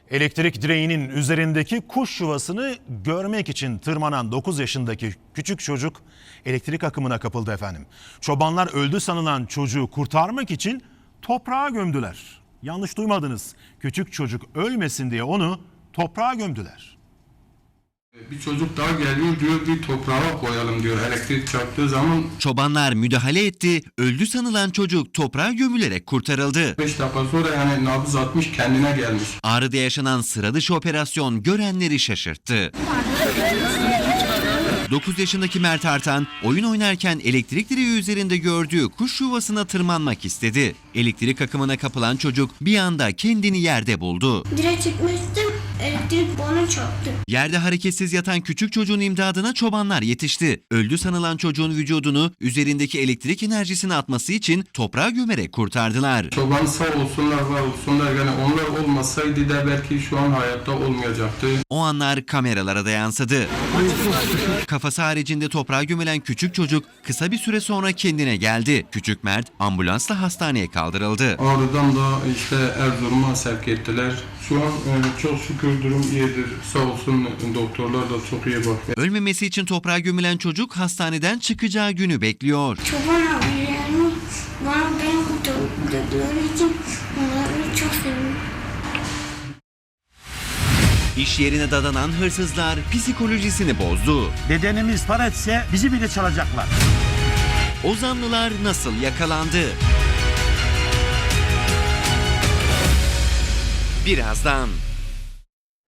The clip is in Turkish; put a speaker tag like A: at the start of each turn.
A: Elektrik direğinin üzerindeki kuş yuvasını görmek için tırmanan 9 yaşındaki küçük çocuk elektrik akımına kapıldı efendim. Çobanlar öldü sanılan çocuğu kurtarmak için toprağa gömdüler. Yanlış duymadınız. Küçük çocuk ölmesin diye onu toprağa gömdüler.
B: Bir çocuk daha geliyor diyor, bir toprağa koyalım diyor elektrik çarptığı zaman.
C: Çobanlar müdahale etti, öldü sanılan çocuk toprağa gömülerek kurtarıldı.
B: 5 dakika sonra yani nabız atmış, kendine gelmiş.
C: Ağrı'da yaşanan sıra dışı operasyon görenleri şaşırttı. 9 yaşındaki Mert Artan oyun oynarken elektrik direği üzerinde gördüğü kuş yuvasına tırmanmak istedi. Elektrik akımına kapılan çocuk bir anda kendini yerde buldu.
D: Direkt çıkmıştım, elektrik bana çarptı.
C: Yerde hareketsiz yatan küçük çocuğun imdadına çobanlar yetişti. Öldü sanılan çocuğun vücudunu üzerindeki elektrik enerjisini atması için toprağa gömerek kurtardılar.
B: Çoban sağ olsunlar, var olsunlar, yani onlar olmasaydı da belki şu an hayatta olmayacaktı.
C: O anlar kameralara da yansıdı. Kafası haricinde toprağa gömülen küçük çocuk kısa bir süre sonra kendine geldi. Küçük Mert ambulansla hastaneye kaldırıldı.
B: Ağrı'dan da işte Erzurum'a sevk ettiler. Şu an çok şükür durum iyidir. Sağ olsun doktorlar da çok iyi bakıyor.
C: Ölmemesi için toprağa gömülen çocuk hastaneden çıkacağı günü bekliyor.
D: Çoban abilerim bana beni kurtardıkları için onları çok seviyorum.
C: İş yerine dadanan hırsızlar psikolojisini bozdu.
E: Bedenimiz para etse bizi bile çalacaklar.
C: Ozanlılar nasıl yakalandı? Birazdan.